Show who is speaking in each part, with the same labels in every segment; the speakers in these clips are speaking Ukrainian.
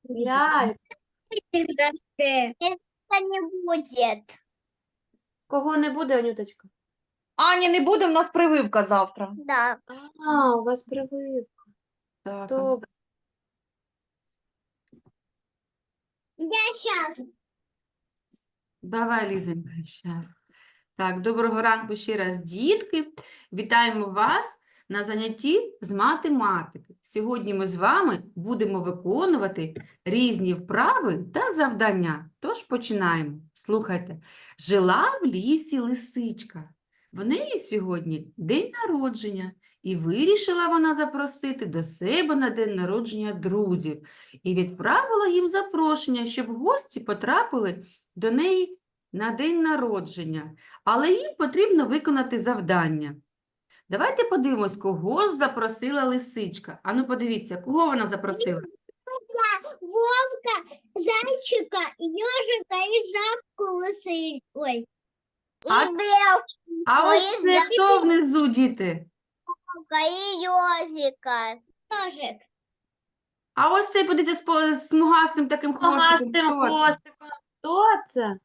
Speaker 1: Лялька.
Speaker 2: Это не будет.
Speaker 1: Кого не буде, Анюточка?
Speaker 3: Ані не буде, в нас прививка завтра.
Speaker 2: Да.
Speaker 1: У вас прививка.
Speaker 3: Так.
Speaker 1: Добре.
Speaker 2: Я сейчас.
Speaker 3: Давай, Лізенька, щас. Так, доброго ранку ще раз, дітки. Вітаємо вас на занятті з математики. Сьогодні ми з вами будемо виконувати різні вправи та завдання. Тож починаємо. Слухайте. Жила в лісі лисичка. В неї сьогодні день народження. І вирішила вона запросити до себе на день народження друзів. І відправила їм запрошення, щоб гості потрапили до неї на день народження, але їм потрібно виконати завдання. Давайте подивимось, кого ж запросила лисичка. Ану, подивіться, кого вона запросила?
Speaker 2: Вовка, зайчика, ежика и жабку лысый. Ой.
Speaker 3: А-
Speaker 2: И белку,
Speaker 3: А ось це хто внизу, діти?
Speaker 2: и ежика. Ежик.
Speaker 3: А ось цей, подивіться, з смугастим таким хвостиком.
Speaker 1: Погастим
Speaker 3: Хто це?
Speaker 1: хвостиком. Хто це?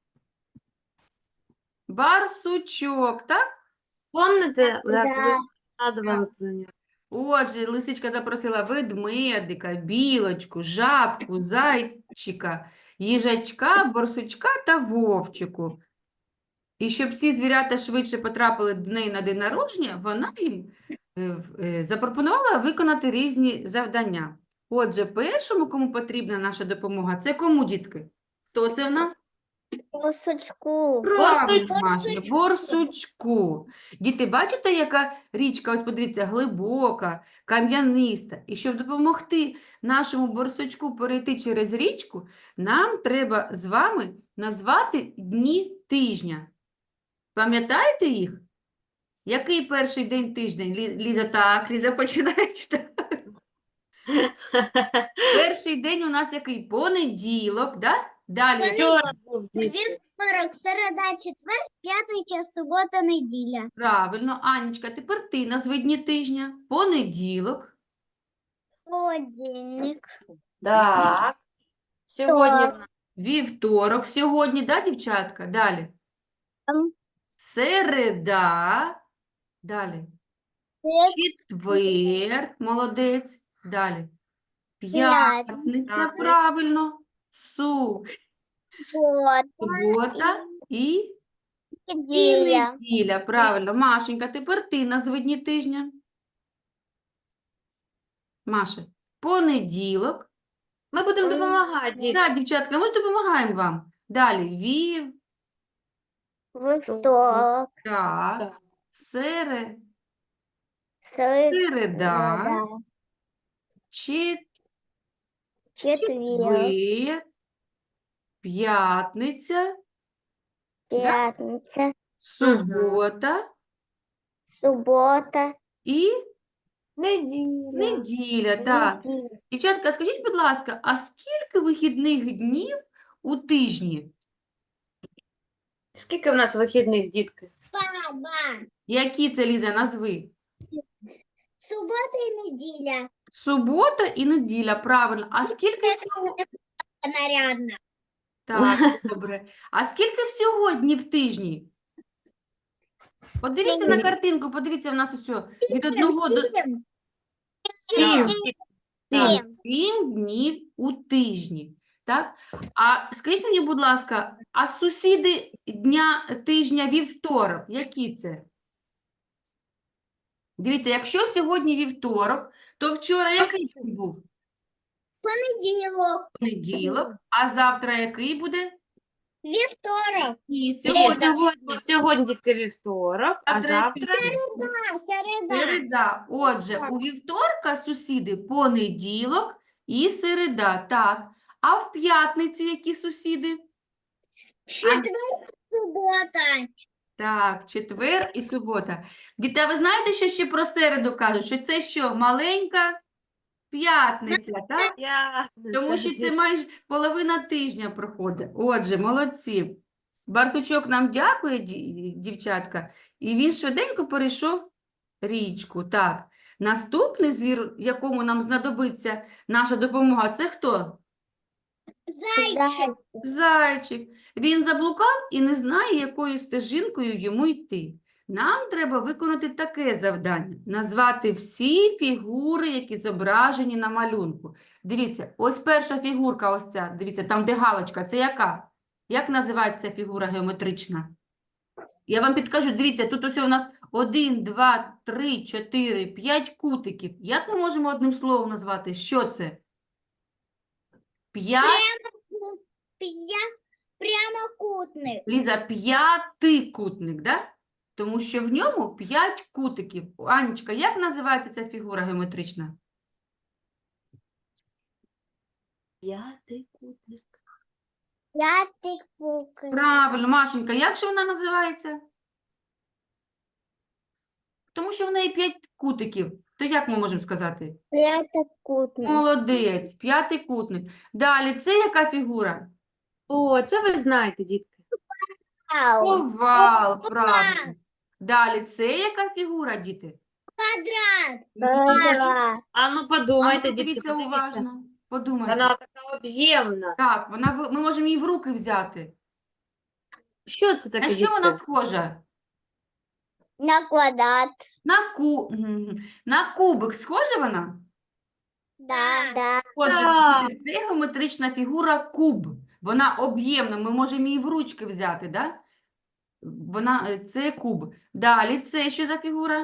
Speaker 3: Барсучок, так?
Speaker 1: Помните,
Speaker 2: Да.
Speaker 1: як ви згадували про нього?
Speaker 3: Отже, лисичка запросила ведмедика, білочку, жабку, зайчика, їжачка, борсучка та вовчику. І щоб ці звірята швидше потрапили до неї на день народження, вона їм запропонувала виконати різні завдання. Отже, першому, кому потрібна наша допомога, це кому, дітки? Хто це в нас?
Speaker 2: Кусочку.
Speaker 3: Правильно, Машенька, борсучку. Діти, бачите, яка річка, ось подивіться, глибока, кам'яниста. І щоб допомогти нашому борсучку перейти через річку, нам треба з вами назвати дні тижня. Пам'ятаєте їх? Який перший день тижня? Ліза, так, Ліза починає читати. Перший день у нас який? Понеділок, да? Далі.
Speaker 1: Вчора був дід.
Speaker 2: Вівторок, середа, четвер, п'ятниця, субота, неділя.
Speaker 3: Правильно, Анічка, тепер ти назви дні тижня. Понеділок.
Speaker 2: Понедільник.
Speaker 1: Так. Сьогодні в нас
Speaker 3: Вівторок сьогодні, да, дівчатка? Далі. Середа. Далі. Четвер. Молодець. Далі. П'ятниця.
Speaker 2: Так.
Speaker 3: Правильно. Субота і
Speaker 2: Неділя.
Speaker 3: неділя. Правильно. Машенька, тепер ти назви дні тижня. Маша. Понеділок.
Speaker 1: Ми будемо допомагати, діти.
Speaker 3: Так, дівчатка, ми ж допомагаємо вам. Далі.
Speaker 2: Вівторок.
Speaker 3: Так.
Speaker 1: Так.
Speaker 3: Середа.
Speaker 2: Середа. Четвер.
Speaker 3: Четвер. П'ятниця.
Speaker 2: П'ятниця.
Speaker 3: Субота
Speaker 2: Субота.
Speaker 3: і
Speaker 1: Неділя.
Speaker 3: неділя. Так.
Speaker 2: Неділя.
Speaker 3: Дівчатка, скажіть, будь ласка, а скільки вихідних днів у тижні?
Speaker 1: Скільки в нас вихідних, дітки?
Speaker 2: Баба.
Speaker 3: Які це, Ліза, назви?
Speaker 2: Субота і неділя.
Speaker 3: Субота і неділя, правильно. А скільки всього?
Speaker 2: Нарядна.
Speaker 3: Так, добре. А скільки всього днів в тижні? Подивіться на картинку, подивіться, в нас ось від 1 до
Speaker 2: Сім.
Speaker 3: Так, 7 днів у тижні. Так? А скажіть мені, будь ласка, а сусіди тижня вівторок, які це? Дивіться, якщо сьогодні вівторок, то вчора який день був?
Speaker 2: Понеділок.
Speaker 3: Понеділок. А завтра який буде?
Speaker 2: Вівторок.
Speaker 3: Ні,
Speaker 1: Сьогодні,
Speaker 3: сьогодні
Speaker 1: сьогодні дітки вівторок, а завтра
Speaker 2: Середа.
Speaker 3: середа. Отже, у вівторка сусіди понеділок і середа. Так. А в п'ятниці які сусіди?
Speaker 2: Четвер. Субота.
Speaker 3: Так, четвер і субота. Діти, а ви знаєте, що ще про середу кажуть? Що це що, маленька п'ятниця, так? Тому що це майже половина тижня проходить. Отже, молодці. Барсучок нам дякує, дівчатка, і він швиденько перейшов річку. Так. Наступний звір, якому нам знадобиться наша допомога, це хто?
Speaker 2: Зайчик.
Speaker 3: Зайчик. Він заблукав і не знає, якою стежинкою йому йти. Нам треба виконати таке завдання. Назвати всі фігури, які зображені на малюнку. Дивіться, ось перша фігурка, ось ця. Дивіться, там де галочка. Це яка? Як називається фігура геометрична? Я вам підкажу, дивіться, тут ось у нас 1, 2, 3, 4, 5 кутиків. Як ми можемо одним словом назвати? Що це? 5?
Speaker 2: Прямокутник.
Speaker 3: Ліза, п'ятикутник, да? Тому що в ньому 5 кутиків. Анечка, як називається ця фігура геометрична?
Speaker 1: П'ятикутник.
Speaker 2: П'ятикутник.
Speaker 3: Правильно, Машенька, як же вона називається? Тому що в неї 5 кутиків. То як ми можемо сказати?
Speaker 2: П'ятикутник.
Speaker 3: Молодець, п'ятикутник. Далі, це яка фігура?
Speaker 1: О, це ви знаєте, дітки.
Speaker 3: Овал, правильно. Далі, це яка фігура, діти?
Speaker 2: Квадрат.
Speaker 1: А ну
Speaker 3: А ну,
Speaker 1: подумайте, дітки,
Speaker 3: подивіться
Speaker 1: подивіться.
Speaker 3: уважно. Подумайте.
Speaker 1: Вона така об'ємна.
Speaker 3: Так, ми можемо її в руки взяти.
Speaker 1: Що це таке,
Speaker 3: На що вона
Speaker 1: дітки?
Speaker 3: схожа?
Speaker 2: На квадрат.
Speaker 3: На кубик схожа вона?
Speaker 2: Да.
Speaker 3: Отже,
Speaker 1: Так.
Speaker 3: діти, це геометрична фігура куб. Вона об'ємна, ми можемо її в ручки взяти, да? Це куб. Далі, це що за фігура?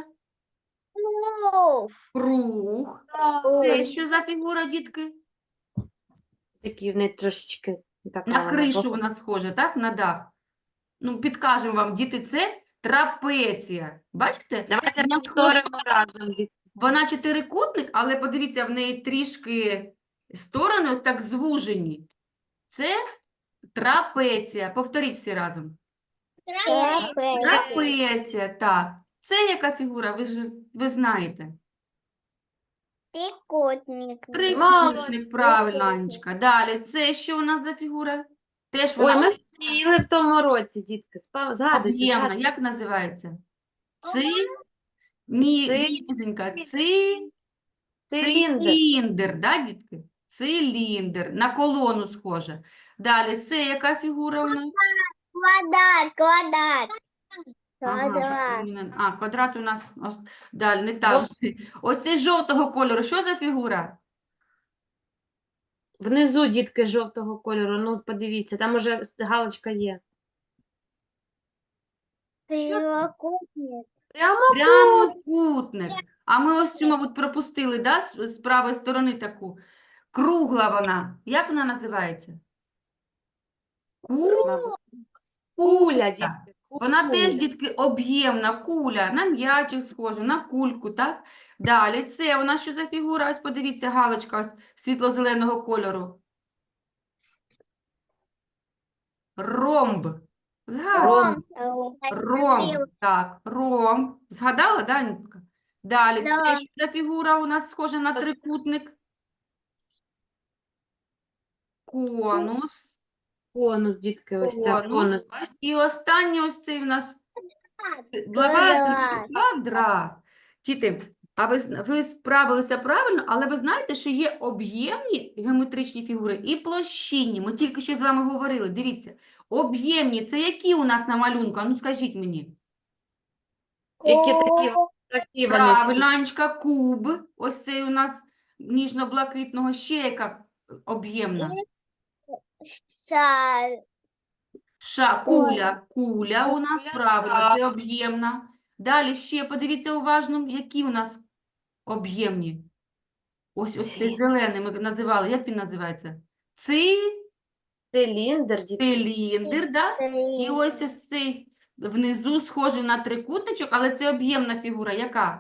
Speaker 3: Круг. Це що за фігура, дітки?
Speaker 1: Такі в неї трошечки така
Speaker 3: На
Speaker 1: вона
Speaker 3: кришу вона схожа, так? На дах. Ну, підкажемо вам, діти, це трапеція. Бачите?
Speaker 1: Давайте
Speaker 3: Вона схожа.
Speaker 1: повторимо разом, дітки.
Speaker 3: Вона чотирикутник, але подивіться, в неї трішки сторони так звужені. Це трапеція. Повторіть всі разом. Трапеція, так. Це яка фігура? Ви знаєте.
Speaker 2: Трикутник.
Speaker 3: Трикутник, правильно, Анечка. Далі, це що у нас за фігура? Теж
Speaker 1: Ой,
Speaker 3: вона
Speaker 1: ми вчили в тому році, дітки. Згадуйте,
Speaker 3: об'ємна.
Speaker 1: згадуйте.
Speaker 3: Як називається?
Speaker 1: Ци-
Speaker 3: Нізенька.
Speaker 1: Циліндр.
Speaker 3: Циліндр, да, дітки? Циліндр. На колону схоже. Далі, це яка фігура у нас?
Speaker 2: Квадрат.
Speaker 3: Ага, квадрат у нас далі, не там. Ось цей жовтого кольору. Що за фігура?
Speaker 1: Внизу, дітки, жовтого кольору. Ну, подивіться, там уже галочка є.
Speaker 2: Прямокутник.
Speaker 3: Прямокутник. А ми ось цю, мабуть, пропустили, да? З правої сторони таку. Кругла вона. Як вона називається?
Speaker 1: Мабуть. Куля, дітки.
Speaker 3: Вона теж,
Speaker 1: куля.
Speaker 3: дітки, об'ємна куля, на м'ячик схожа, на кульку, так? Далі, це у нас що за фігура? Ось подивіться, галочка ось світло-зеленого кольору. Ромб. Згадала? Ромб, так, ромб. Згадала, да, Нітка? Далі, це
Speaker 2: Да.
Speaker 3: що за фігура у нас схожа на трикутник? Конус.
Speaker 1: Конус, дітки, ось це
Speaker 3: Конус.
Speaker 1: конус. Бачите?
Speaker 3: І останній ось цей у нас
Speaker 2: Квадрат.
Speaker 3: квадрат. Діти, а ви справилися правильно, але ви знаєте, що є об'ємні геометричні фігури і площинні. Ми тільки що з вами говорили. Дивіться, об'ємні – це які у нас на малюнку? А ну скажіть мені.
Speaker 1: Які такі вони
Speaker 3: Правильно,
Speaker 1: всі.
Speaker 3: Анечка, куб. Ось цей у нас ніжно-блакитного. Ще яка об'ємна? Куля у нас,
Speaker 1: Куля,
Speaker 3: правильно,
Speaker 1: так.
Speaker 3: це об'ємна. Далі ще подивіться уважно, які у нас об'ємні. Ось цей
Speaker 1: Циліндр.
Speaker 3: зелений ми називали. Як він називається?
Speaker 1: Циліндр, дітки.
Speaker 3: Циліндр, да? І ось цей внизу схожий на трикутничок, але це об'ємна фігура. Яка?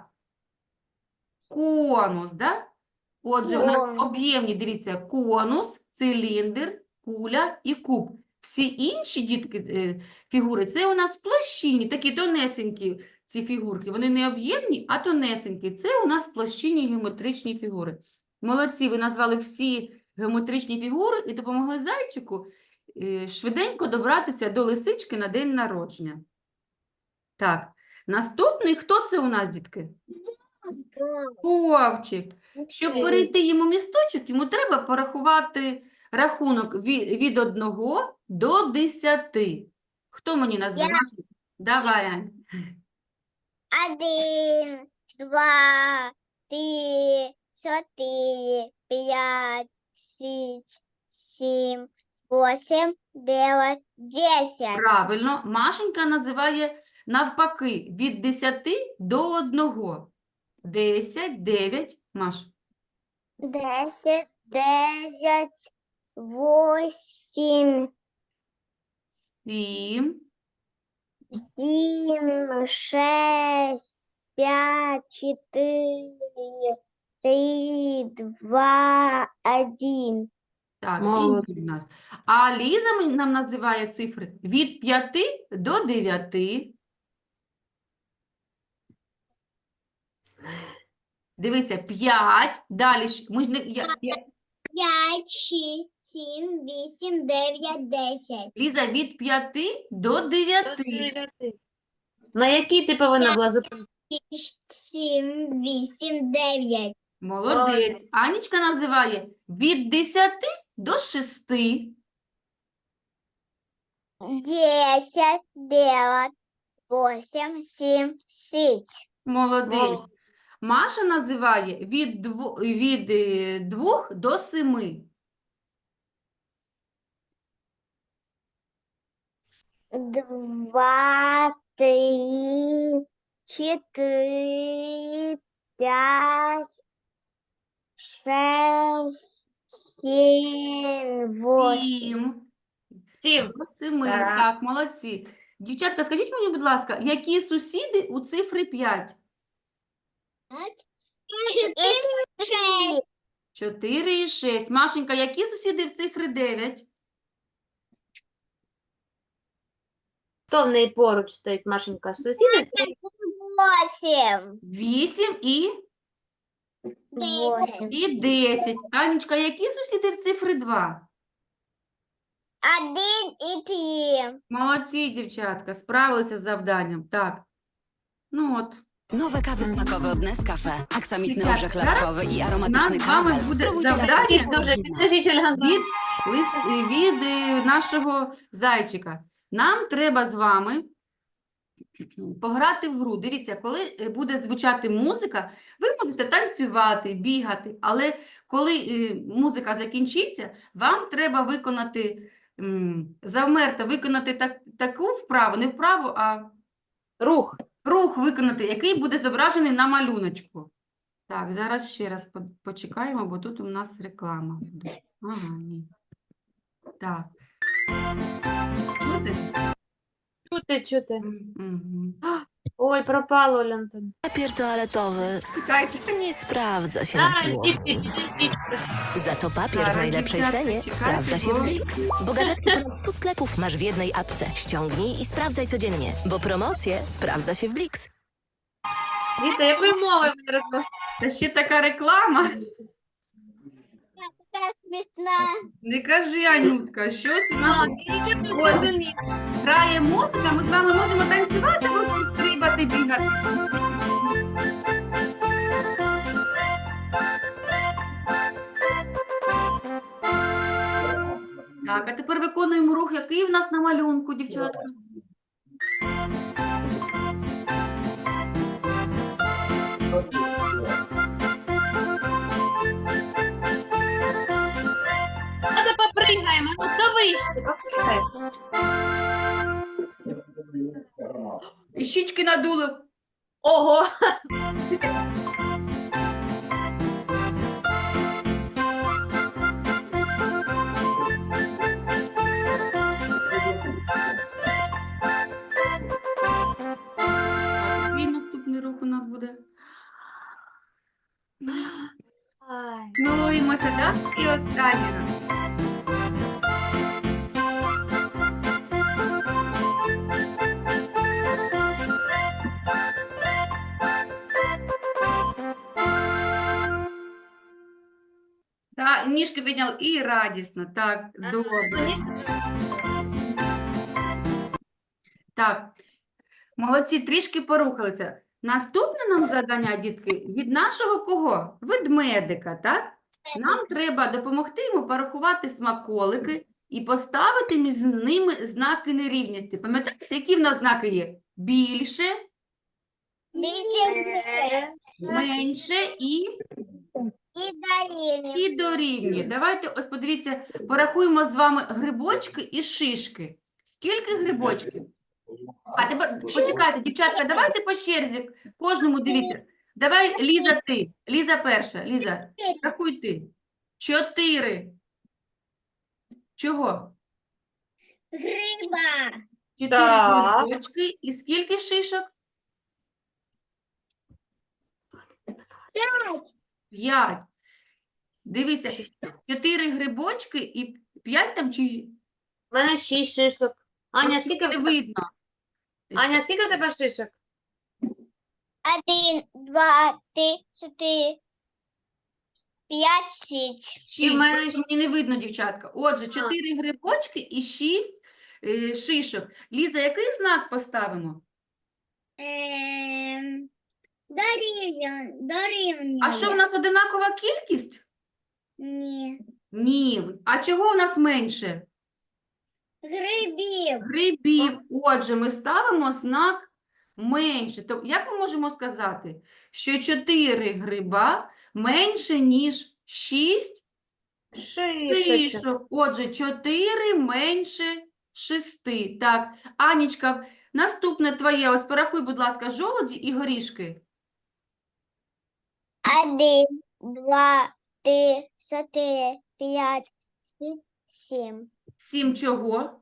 Speaker 3: Конус, да? Отже, у нас
Speaker 2: Конус.
Speaker 3: об'ємні, дивіться, конус, циліндр, куля і куб. Всі інші, дітки, фігури, це у нас площинні, такі тонесенькі ці фігурки. Вони не об'ємні, а тонесенькі. Це у нас площинні геометричні фігури. Молодці, ви назвали всі геометричні фігури і допомогли зайчику швиденько добратися до лисички на день народження. Так, наступний, хто це у нас, дітки? Вовчик. Щоб перейти йому місточок, йому треба порахувати рахунок від 1 до 10. Хто мені назве? Давай, Ань.
Speaker 2: 1, 2, 3, 4, 5, 6, 7, 8, 9, 10.
Speaker 3: Правильно. Машенька називає навпаки від 10 до 1. 10, 9. Маш.
Speaker 2: 10, 9, 8,
Speaker 3: 7,
Speaker 2: 7, 6, 5, 4, 3, 2, 1.
Speaker 3: Так,
Speaker 1: Молодець.
Speaker 3: і Юльна. А Ліза нам називає цифри від 5 до 9. Дивися, 5. Далі ми ж не
Speaker 2: 5, 6, 7, 8, 9, 10.
Speaker 3: Ліза від 5 до 9.
Speaker 1: На якій ти повинна була зупинитися?
Speaker 2: 6, 7, 8, 9.
Speaker 3: Молодець. Анічка називає від 10 до 6.
Speaker 2: 10, 9, 8, 7, 6.
Speaker 3: Молодець. Маша називає від 2 до 7.
Speaker 2: 2, 3, 4, 5, 6, 7, 8.
Speaker 3: 7
Speaker 1: 7.
Speaker 3: до 7.
Speaker 1: Так.
Speaker 3: Так, молодці. Дівчатка, скажіть мені, будь ласка, які сусіди у цифри 5?
Speaker 2: 4, 6.
Speaker 3: 4 і 6. Машенька, які сусіди в цифри 9?
Speaker 1: Хто в неї поруч стоїть, Машенька? Сусіди? Це
Speaker 2: 8.
Speaker 3: 8 і
Speaker 2: 8.
Speaker 3: 10. Анечка, які сусіди в цифри 2?
Speaker 2: 1 і 3.
Speaker 3: Молодці, дівчатка, справилися з завданням. Так. Ну от.
Speaker 4: Nowe kawy smakowe od Nescafe. Aksamitny
Speaker 3: Dzieciaki,
Speaker 4: orzech
Speaker 3: zaraz
Speaker 4: laskowy i aromatyczny
Speaker 3: nas z wami
Speaker 4: kawel.
Speaker 3: bude
Speaker 4: Spróbujcie
Speaker 3: zawdanie.
Speaker 4: laskiego
Speaker 1: дуже
Speaker 4: wina.
Speaker 1: підкажіть, Оля.
Speaker 3: Від нашого зайчика. Нам треба з вами пограти в гру. Дивіться, коли буде звучати музика, ви можете танцювати, бігати, але коли музика закінчиться, вам треба виконати, завмерти, виконати таку вправу, не вправу, а
Speaker 1: Рух.
Speaker 3: рух виконати, який буде зображений на малюночку. Так, зараз ще раз почекаємо, бо тут у нас реклама буде. Ага, ні. Так. Чути?
Speaker 1: Чути.
Speaker 3: Мгм.
Speaker 1: Ой, пропало, Оля Антон.
Speaker 4: Papier toaletowy
Speaker 3: Чекайте.
Speaker 4: nie sprawdza się na
Speaker 1: Ай,
Speaker 4: siłowni.
Speaker 1: піп.
Speaker 4: Za to papier
Speaker 3: Zaraz,
Speaker 4: w najlepszej
Speaker 3: dziewczatki,
Speaker 4: cenie
Speaker 3: czekajcie,
Speaker 4: sprawdza się
Speaker 3: bo-
Speaker 4: w Blix. Bo gazetki ponad 100 sklepów masz w jednej apce. Ściągnij i sprawdzaj codziennie, bo promocje sprawdza się w Blix.
Speaker 1: Діти, якою мовою ви розмовляєте?
Speaker 3: Та ще така реклама.
Speaker 2: Така смішна.
Speaker 3: Не кажи, Анютка, щось у нас
Speaker 1: Я не розумію.
Speaker 3: грає музика, ми з вами можемо танцювати, можемо стрибати, бігати. Так, а тепер виконуємо рух, який в нас на малюнку, дівчатка.
Speaker 1: Давайте попригаємо. Ну, хто вище? Попригай.
Speaker 3: І щічки надули.
Speaker 1: Ого.
Speaker 3: Який наступний рух у нас буде?
Speaker 1: Ай.
Speaker 3: Милуємося, так? І останній раз. Так, ніжки підняли і радісно. Так, добре. Так, молодці, трішки порухалися. Наступне нам завдання, дітки, від нашого кого? Ведмедика, так? Нам треба допомогти йому порахувати смаколики і поставити між ними знаки нерівності. Пам'ятаєте, які в нас знаки є? Більше, менше і дорівнює. Давайте, ось подивіться, порахуємо з вами грибочки і шишки. Скільки грибочків? А тепер, почекайте, дівчатка, давайте по черзі, кожному дивіться. Давай, Ліза, ти. Ліза перша. Ліза, рахуй ти. 4. Чого?
Speaker 2: Гриба.
Speaker 3: 4
Speaker 1: Так.
Speaker 3: грибочки. І скільки шишок? 5. Дивися, 4 грибочки і 5 там чи...
Speaker 1: У мене 6 шишок. Аня,
Speaker 3: Просто
Speaker 1: скільки
Speaker 3: не
Speaker 1: в
Speaker 3: видно.
Speaker 1: Аня, скільки у тебе шишок?
Speaker 2: 1, 2, 3, 4, 5, 6.
Speaker 3: 6,
Speaker 1: в мене
Speaker 3: просто мені не видно, дівчатка. Отже, 4 грибочки і 6 шишок. Ліза, який знак поставимо?
Speaker 2: Дорівнює.
Speaker 3: А що, в нас одинакова кількість?
Speaker 2: Ні.
Speaker 3: Ні. А чого у нас менше?
Speaker 2: Грибів.
Speaker 3: Грибів. Отже, ми ставимо знак менше. Тобто, як ми можемо сказати, що 4 гриба менше, ніж 6
Speaker 1: Шишечок.
Speaker 3: шишок. Отже, 4 менше 6. Так, Анічка, наступне твоє. Ось порахуй, будь ласка, жолуді і горішки.
Speaker 2: 1, 2, 3, 4, 5, 6, 7.
Speaker 3: 7 чого?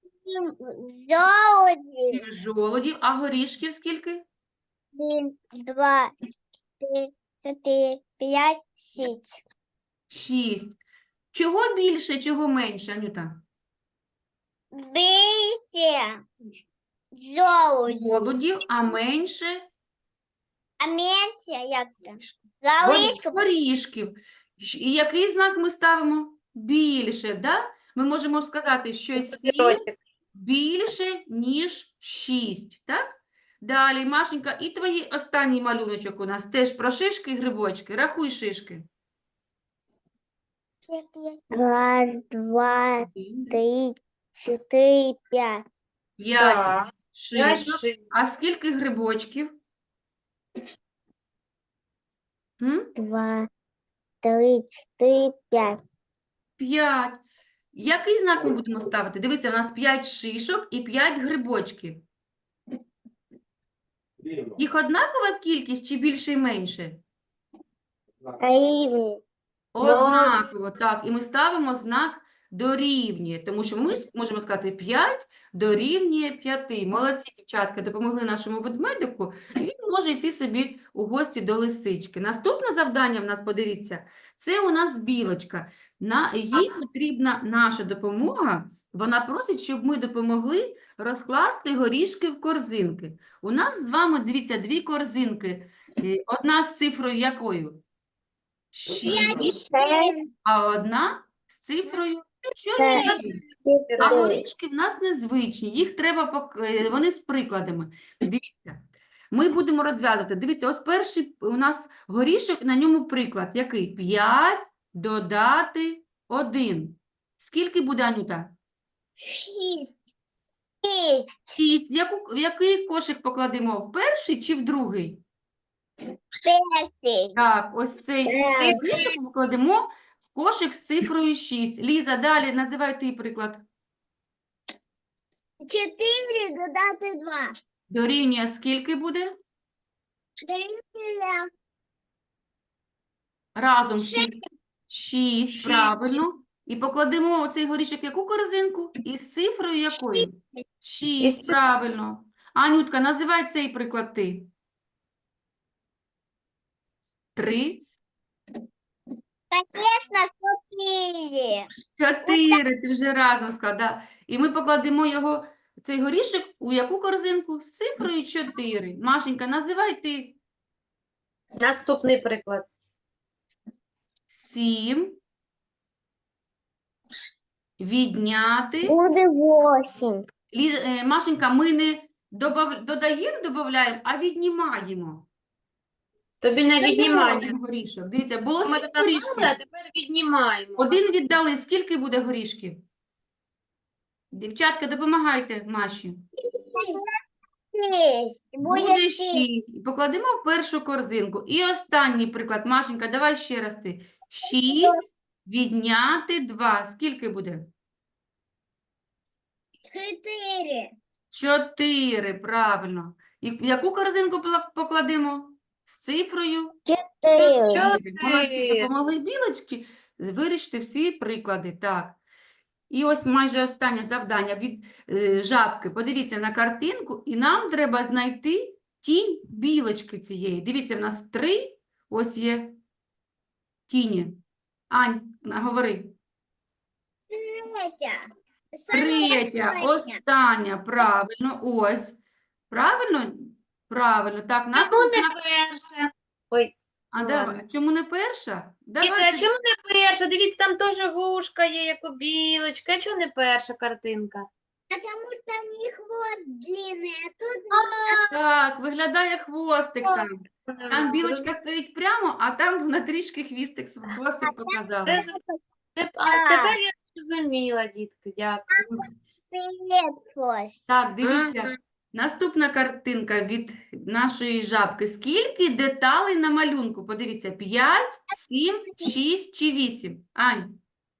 Speaker 2: Золоті.
Speaker 3: 7 жолудів. А горішків скільки?
Speaker 2: 1, 2, 3, 4, 5, 6.
Speaker 3: 6. Чого більше, чого менше, Анюта?
Speaker 2: Більше. Золоті.
Speaker 3: Жолудів, а менше
Speaker 2: А менше як то? Залишку.
Speaker 3: горішків. І який знак ми ставимо? Більше, да? Ми можемо сказати, що 7 більше, ніж 6, так? Далі, Машенька, і твій останній малюночок у нас теж про шишки і грибочки. Рахуй шишки.
Speaker 2: 1, 2, 3, 4, 5.
Speaker 3: 5
Speaker 1: Так.
Speaker 3: шишок. А скільки грибочків?
Speaker 2: 2, 3, 4, 5.
Speaker 3: 5. Який знак ми будемо ставити? Дивіться, у нас 5 шишок і 5 грибочків. Їх однакова кількість чи більше і менше?
Speaker 2: Рівні.
Speaker 3: Однаково, так. І ми ставимо знак дорівнює, тому що ми можемо сказати 5 дорівнює 5. Молодці, дівчатка, допомогли нашому ведмедику, і він може йти собі у гості до лисички. Наступне завдання в нас, подивіться, це у нас білочка. Їй потрібна наша допомога. Вона просить, щоб ми допомогли розкласти горішки в корзинки. У нас з вами, дивіться, 2 корзинки. Одна з цифрою якою? 6, а одна з цифрою 4. А горішки в нас незвичні, їх треба, вони з прикладами. Дивіться, ми будемо розв'язувати. Дивіться, ось перший у нас горішок, на ньому приклад. Який? 5 додати 1. Скільки буде, Анюта?
Speaker 2: 6.
Speaker 3: 6. В який кошик покладемо? В перший чи в другий?
Speaker 2: 6.
Speaker 3: Так, ось цей горішок покладемо в кошик з цифрою 6. Ліза, далі називай ти приклад.
Speaker 2: 4 додати 2.
Speaker 3: Дорівнює скільки буде?
Speaker 2: Дорівнює
Speaker 3: Разом скільки? 6, правильно. І покладемо оцей горішок в яку корзинку? Із цифрою якою? 6, правильно. Анютка, називай цей приклад ти. 3.
Speaker 2: Конечно, 4.
Speaker 3: 4, ти вже разом складав. І ми покладемо його, цей горішок, у яку корзинку? З цифрою 4. Машенька, називай ти.
Speaker 1: Наступний приклад.
Speaker 3: 7. Відняти.
Speaker 2: Буде 8.
Speaker 3: Машенька, ми не додаємо, а віднімаємо.
Speaker 1: Тобі не
Speaker 3: Віддаємо
Speaker 1: віднімати.
Speaker 3: один горішок. Дивіться, було
Speaker 1: Ми
Speaker 3: 7
Speaker 1: тут набрали, а
Speaker 3: горішків.
Speaker 1: тепер віднімаємо.
Speaker 3: Один віддали, скільки буде горішків? Дівчатка, допомагайте Маші.
Speaker 2: Шесть.
Speaker 3: Буде
Speaker 2: Будет шесть.
Speaker 3: 6. І покладемо в першу корзинку. І останній приклад. Машенька, давай ще раз ти. 6 відняти 2. Скільки буде?
Speaker 2: 4.
Speaker 3: 4, правильно. І в яку корзинку покладемо? З цифрою
Speaker 2: 4.
Speaker 3: 4. Молодці,
Speaker 1: Чотири.
Speaker 3: допомогли білочки вирішити всі приклади. Так. І ось майже останнє завдання від жабки. Подивіться на картинку, і нам треба знайти тінь білочки цієї. Дивіться, в нас 3 ось є тіні. Ань, говори.
Speaker 2: Третья.
Speaker 3: Третя, остання, правильно, ось. Правильно? Правильно. Так,
Speaker 1: Чому
Speaker 3: наступна.
Speaker 1: не перша? Ой,
Speaker 3: А
Speaker 1: ну
Speaker 3: давай,
Speaker 1: ладно.
Speaker 3: чому не перша?
Speaker 1: Діти, а
Speaker 3: Давайте.
Speaker 1: чому не перша? Дивіться, там теж вушка є, як у білочки. А чому не перша картинка?
Speaker 2: Потому что у них хвост длинный, а тут
Speaker 3: Так, виглядає хвостик там. Там білочка
Speaker 1: Зрозуміло.
Speaker 3: стоїть прямо, а там вона трішки хвостик показала.
Speaker 1: Тепер я зрозуміла, дітки, дякую.
Speaker 2: привет, хвост.
Speaker 3: Так, дивіться,
Speaker 1: Мгм.
Speaker 3: наступна картинка від нашої жабки. Скільки деталей на малюнку? Подивіться, 5, 7, 6 чи 8? Ань,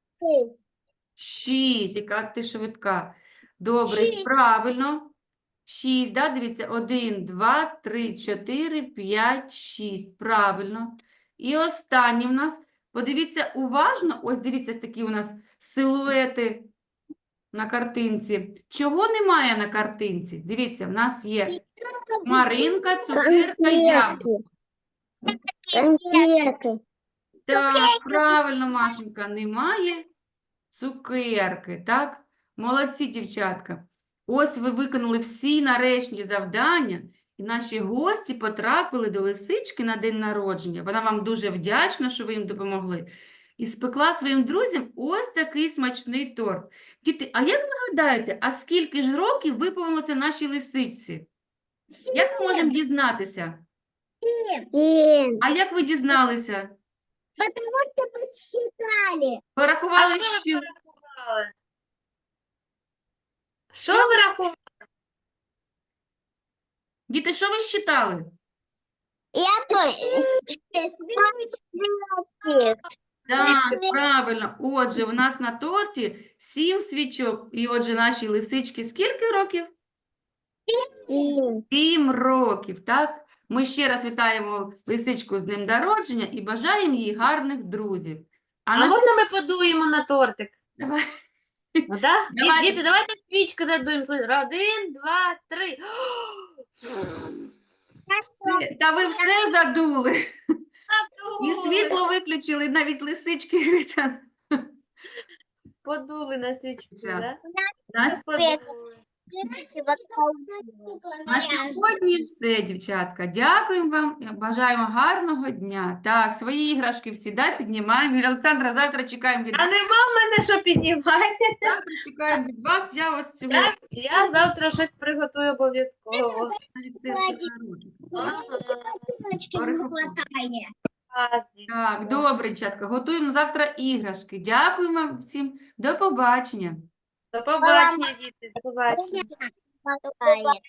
Speaker 3: 6, яка ти швидка. Добре,
Speaker 2: Шість.
Speaker 3: правильно. 6, да? Дивіться, 1, 2, 3, 4, 5, 6. Правильно. І останній в нас, подивіться уважно, ось дивіться, такі у нас силуети на картинці. Чого немає на картинці? Дивіться, в нас є Маринка, цукерка, яблуко.
Speaker 2: Конфеты.
Speaker 3: Так, правильно, Машенька, немає цукерки, так? Молодці, дівчатка. Ось ви виконали всі нарешті завдання, і наші гості потрапили до лисички на день народження. Вона вам дуже вдячна, що ви їм допомогли. І спекла своїм друзям ось такий смачний торт. Діти, а як ви гадаєте, а скільки ж років виповнилося нашій лисичці? Як ми можемо дізнатися?
Speaker 2: 7.
Speaker 3: А як ви дізналися?
Speaker 2: Потому что посчитали.
Speaker 1: А
Speaker 3: Порахували,
Speaker 1: що ви
Speaker 3: що...
Speaker 1: порахували? Що ви рахували?
Speaker 3: Діти, що ви считали?
Speaker 2: Я
Speaker 3: Так, правильно. Отже, у нас на торті 7 свічок. І отже, нашій лисичці скільки років? 7 років, так? Ми ще раз вітаємо лисичку з днем народження і бажаємо їй гарних друзів. А
Speaker 1: А
Speaker 3: на
Speaker 1: можна ми подуємо на тортик?
Speaker 3: Давай.
Speaker 1: Ну, да?
Speaker 3: Давайте.
Speaker 1: Діти, давайте свічки задуємо. 1, 2, 3.
Speaker 3: Та ви все задули. І світло виключили, навіть лисички.
Speaker 1: Подули на свічку,
Speaker 3: Дівчата.
Speaker 1: да?
Speaker 3: Нас
Speaker 1: Подули.
Speaker 3: На сьогодні все, дівчатка. Дякуємо вам. Бажаємо гарного дня. Так, свої іграшки всі, да, піднімаємо. Юлія Олександра, завтра чекаємо від
Speaker 1: А нема в мене що піднімати.
Speaker 3: завтра чекаємо від вас. Я ось цього
Speaker 1: Я завтра щось приготую обов'язково.
Speaker 3: навіть це народження. Так, добре, дівчатка. Готуємо завтра іграшки. Дякуємо вам всім. До побачення.
Speaker 1: До побачення, діти. До побачення.
Speaker 2: Бывает.